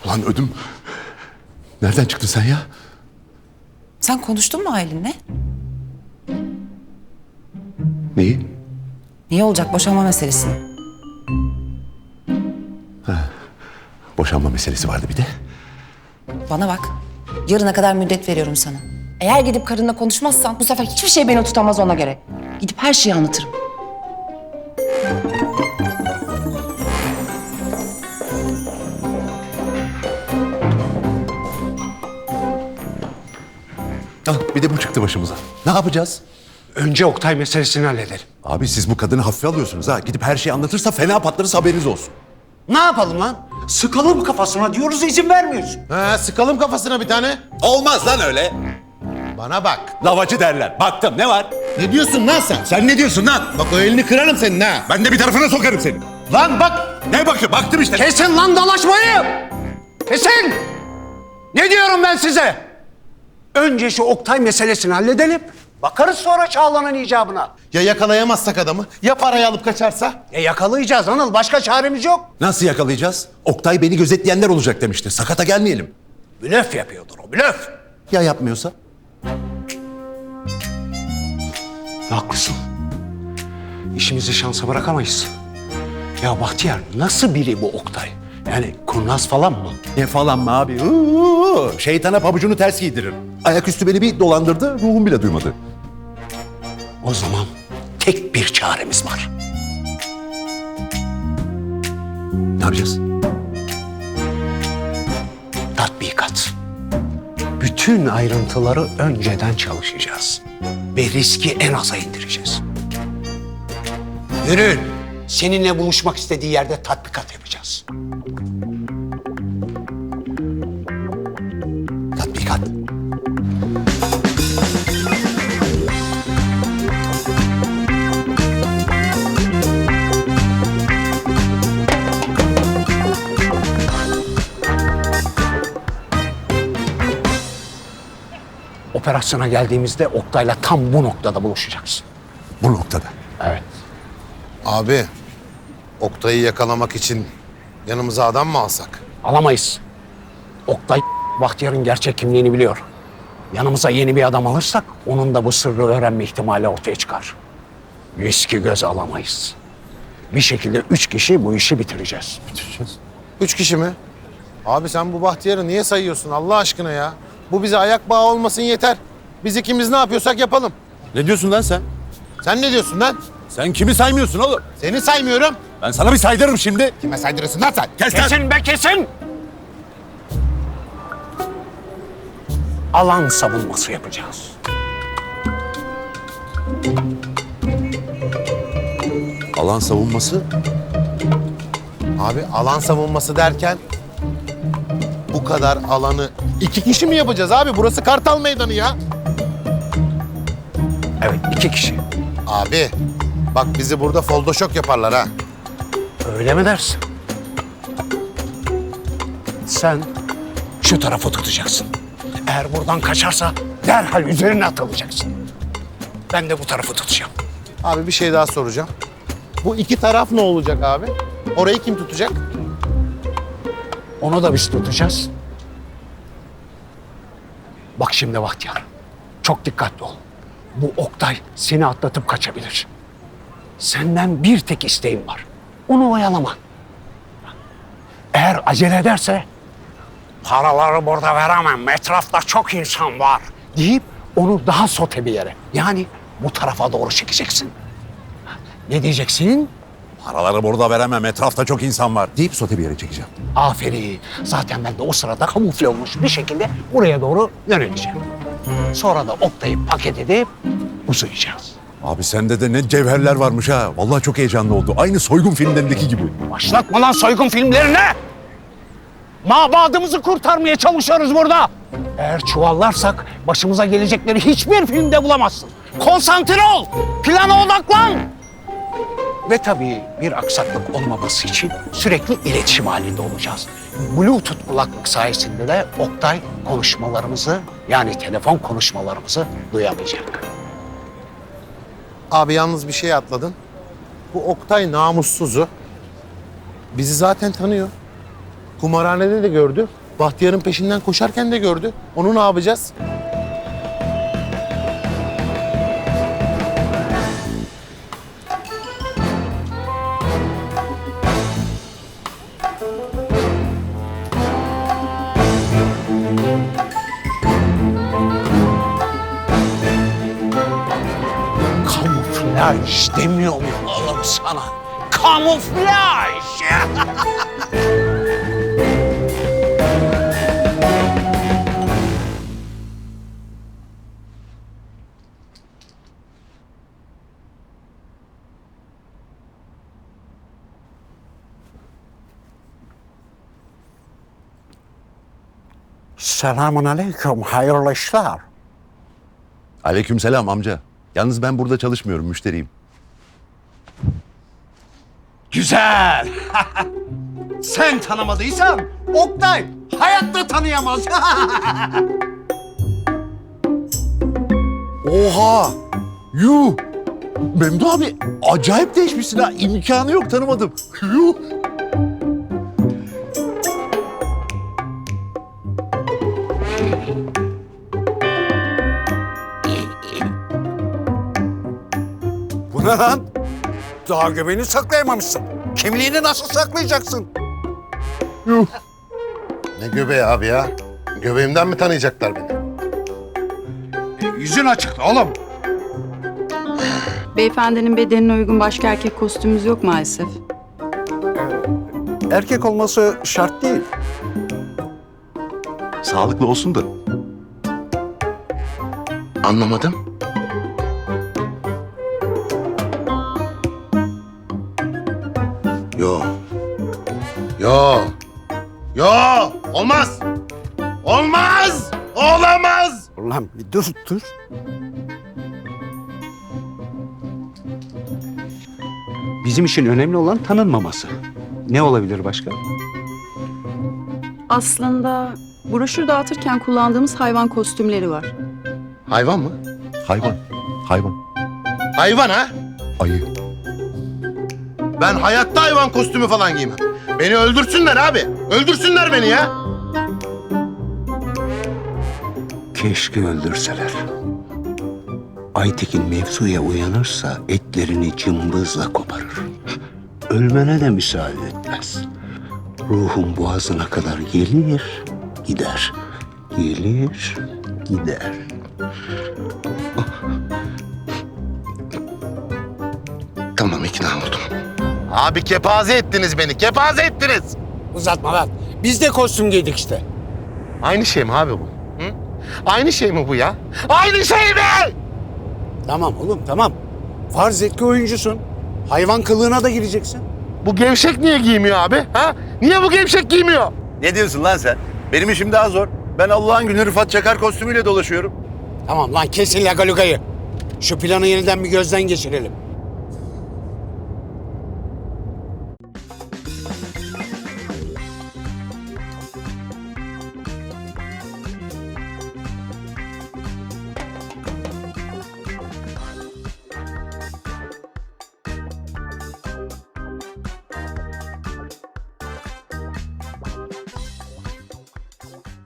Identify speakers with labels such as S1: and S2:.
S1: Lan ödüm. Nereden çıktın sen ya?
S2: Sen konuştun mu Aylin'le?
S1: Neyi?
S2: Niye olacak boşanma meselesini?
S1: Boşanma meselesi vardı bir de.
S2: Bana bak. Yarına kadar müddet veriyorum sana. Eğer gidip karınla konuşmazsan bu sefer hiçbir şey beni tutamaz ona göre. Gidip her şeyi anlatırım.
S1: Bir de bu çıktı başımıza. Ne yapacağız?
S3: Önce Oktay meselesini halledelim.
S1: Abi siz bu kadını hafife alıyorsunuz ha. Gidip her şeyi anlatırsa fena patlarız, haberiniz olsun.
S3: Ne yapalım lan? Sıkalım kafasına diyoruz, izin vermiyorsun.
S4: Sıkalım kafasına bir tane.
S1: Olmaz lan öyle.
S4: Bana bak.
S1: Lavacı derler. Baktım, ne var?
S4: Ne diyorsun lan sen?
S1: Sen ne diyorsun lan?
S4: Bak o elini kırarım senin ha.
S1: Ben de bir tarafına sokarım seni.
S4: Lan bak.
S1: Ne bakıyor? Baktım işte.
S3: Kesin lan dalaşmayı! Kesin! Ne diyorum ben size? Önce şu Oktay meselesini halledelim. Bakarız sonra Çağla'nın icabına.
S4: Ya yakalayamazsak adamı? Ya parayı alıp kaçarsa?
S3: Yakalayacağız Anıl. Başka çaremiz yok.
S1: Nasıl yakalayacağız? Oktay beni gözetleyenler olacak demişti. Sakata gelmeyelim.
S3: Blöf yapıyordur o, blöf.
S1: Ya yapmıyorsa?
S3: Haklısın. İşimizi şansa bırakamayız. Ya Bahtiyar, nasıl biri bu Oktay? Yani kurnaz falan mı?
S1: Ne falan mı abi? Şeytana pabucunu ters giydirir. Ayaküstü beni bir dolandırdı, ruhum bile duymadı.
S3: O zaman tek bir çaremiz var.
S1: Ne yapacağız?
S3: Tatbikat. Bütün ayrıntıları önceden çalışacağız. Ve riski en aza indireceğiz. Yürü. Seninle buluşmak istediği yerde tatbikat yapacağız.
S1: Tatbikat.
S3: Operasyona geldiğimizde Oktay'la tam bu noktada buluşacaksın.
S1: Bu noktada.
S3: Evet.
S4: Abi, Oktay'ı yakalamak için yanımıza adam mı alsak?
S3: Alamayız. Oktay Bahtiyar'ın gerçek kimliğini biliyor. Yanımıza yeni bir adam alırsak onun da bu sırrı öğrenme ihtimali ortaya çıkar. Riski göze alamayız. Bir şekilde 3 kişi bu işi bitireceğiz.
S4: 3 kişi mi? Abi sen bu Bahtiyar'ı niye sayıyorsun Allah aşkına ya? Bu bize ayak bağı olmasın yeter. Biz ikimiz ne yapıyorsak yapalım.
S1: Ne diyorsun lan sen?
S4: Sen ne diyorsun lan?
S1: Sen kimi saymıyorsun oğlum?
S4: Seni saymıyorum.
S1: Ben sana bir saydırırım şimdi.
S4: Kime saydırırsın lan sen?
S1: Kes lan!
S3: Kesin be kesin! Alan savunması yapacağız.
S1: Alan savunması.
S4: Abi alan savunması derken bu kadar alanı 2 kişi mi yapacağız abi? Burası Kartal Meydanı ya.
S3: Evet, 2 kişi.
S4: Abi bak bizi burada foldoşok yaparlar ha.
S3: Öyle mi dersin? Sen şu tarafı tutacaksın. Eğer buradan kaçarsa derhal üzerine atılacaksın. Ben de bu tarafı tutacağım.
S4: Abi bir şey daha soracağım. Bu iki taraf ne olacak abi? Orayı kim tutacak?
S3: Onu da biz tutacağız. Bak şimdi Bahtiyar, çok dikkatli ol. Bu Oktay seni atlatıp kaçabilir. Senden bir tek isteğim var. Onu oyalama. Eğer acele ederse paraları burada veremem, etrafta çok insan var deyip onu daha sote bir yere, yani bu tarafa doğru çekeceksin. Ne diyeceksin?
S1: Paraları burada veremem. Etrafta çok insan var. Deyip sote bir yere çekeceğim.
S3: Aferin. Zaten ben de o sırada kamufle olmuş bir şekilde buraya doğru yöneleceğim. Sonra da Oktay'ı paket edip uzayacağız.
S1: Abi sende de ne cevherler varmış ha. Vallahi çok heyecanlı oldu. Aynı soygun filmlerindeki gibi.
S3: Başlatma lan soygun filmlerine! Mabadımızı kurtarmaya çalışıyoruz burada. Eğer çuvallarsak başımıza gelecekleri hiçbir filmde bulamazsın. Konsantre ol, plana odaklan. Ve tabii bir aksaklık olmaması için sürekli iletişim halinde olacağız. Bluetooth kulaklık sayesinde de Oktay konuşmalarımızı, yani telefon konuşmalarımızı duyamayacak.
S4: Abi yalnız bir şey atladın. Bu Oktay namussuzu bizi zaten tanıyor. Kumarhanede de gördü. Bahtiyar'ın peşinden koşarken de gördü. Onu ne yapacağız?
S3: Kamuflaj demiyor muyum oğlum sana? Kamuflaj! Selamun aleyküm, hayırlı işler.
S1: Aleykümselam amca. Yalnız ben burada çalışmıyorum, müşteriyim.
S3: Güzel. Sen tanımadıysan Oktay hayatta tanıyamaz.
S1: Oha! Yuh! Memdu abi acayip değişmişsin ha. İmkanı yok, tanımadım. Yuh!
S3: Bu ne lan? Daha göbeğini saklayamamışsın. Kimliğini nasıl saklayacaksın?
S4: Ne göbeği abi ya? Göbeğimden mi tanıyacaklar beni?
S3: Yüzün açık oğlum.
S5: Beyefendinin bedenine uygun başka erkek kostümümüz yok maalesef.
S3: Erkek olması şart değil.
S1: Sağlıklı olsun da.
S4: Anlamadım. Yo. Yo. Yo. Olmaz. Olmaz. Olamaz.
S3: Ulan bir dur. Bizim için önemli olan tanınmaması. Ne olabilir başka?
S5: Aslında broşür dağıtırken kullandığımız hayvan kostümleri var.
S4: Hayvan mı?
S1: Hayvan. Hayvan.
S4: Hayvan ha?
S1: Ayı.
S4: Ben hayatta hayvan kostümü falan giymem. Beni öldürsünler abi. Öldürsünler beni ya.
S6: Keşke öldürseler. Aytekin mevzuya uyanırsa etlerini cımbızla koparır. Ölmene de müsaade etmez. Ruhun boğazına kadar gelir, gider. Gelir, gider.
S4: Tamam, ikna oldum. Abi kepaze ettiniz beni. Kepaze ettiniz.
S3: Uzatma lan. Biz de kostüm giydik işte.
S4: Aynı şey mi abi bu? Hı? Aynı şey mi bu ya? Aynı şey mi?
S3: Tamam oğlum tamam. Farz et ki oyuncusun. Hayvan kılığına da gireceksin.
S4: Bu gevşek niye giymiyor abi? Ha? Niye bu gevşek giymiyor?
S1: Ne diyorsun lan sen? Benim işim daha zor. Ben Allah'ın günü Rıfat Çakar kostümüyle dolaşıyorum.
S3: Tamam lan kesin lagalugayı. Şu planı yeniden bir gözden geçirelim.